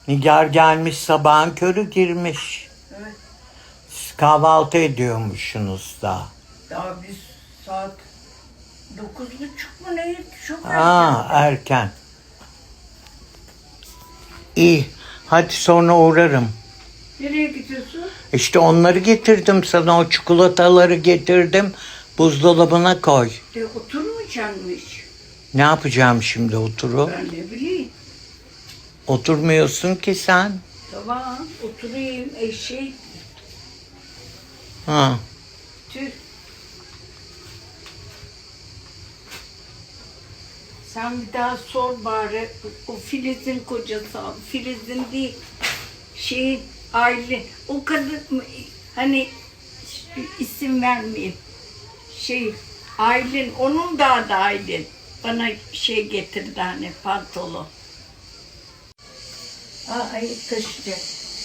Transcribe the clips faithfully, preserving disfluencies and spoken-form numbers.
Nigar gelmiş, sabahın körü girmiş. Evet. Siz kahvaltı ediyormuşsunuz da. Daha biz saat dokuz buçuk mu neydi? Çok Aa, erken. erken. İyi. Hadi sonra uğrarım. Nereye gidiyorsun? İşte onları getirdim sana. O çikolataları getirdim. Buzdolabına koy. De oturmayacaksın mı hiç? Ne yapacağım şimdi oturup? Ben ne bileyim. Oturmuyorsun ki sen. Tamam oturayım eşek. Ha. Tüh. Sen bir daha sor bari. O Filiz'in kocası. Filiz'in değil. Şey aile. O kadın mı? Hani isim vermeyeyim. Şey Aylin. Onun da adı Aylin. Bana şey getirdi hani pantolon. Aa, ay taşıyacak.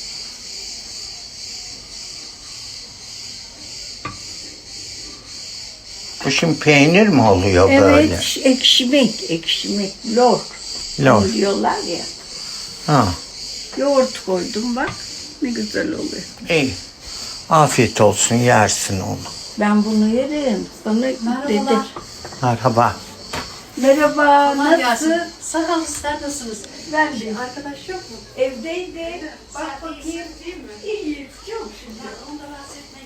Bu şimdi peynir mi oluyor böyle? Evet, ekşimek, ekşimek, lor. Lor. Diyorlar ya. Ha. Yoğurt koydum bak, ne güzel oluyor. İyi. Afiyet olsun, yersin onu. Ben bunu yerim. Sana Merhabalar. dedim. Merhaba. Merhaba, Kolay nasıl? gelsin. Sağ olun, sizler nasılsınız? Ben de Arkadaş yok mu? evdeydi. Bak Sen bakayım. iyisin, değil mi? İyi, çok şükür. Onu da rahatsız etmeyin.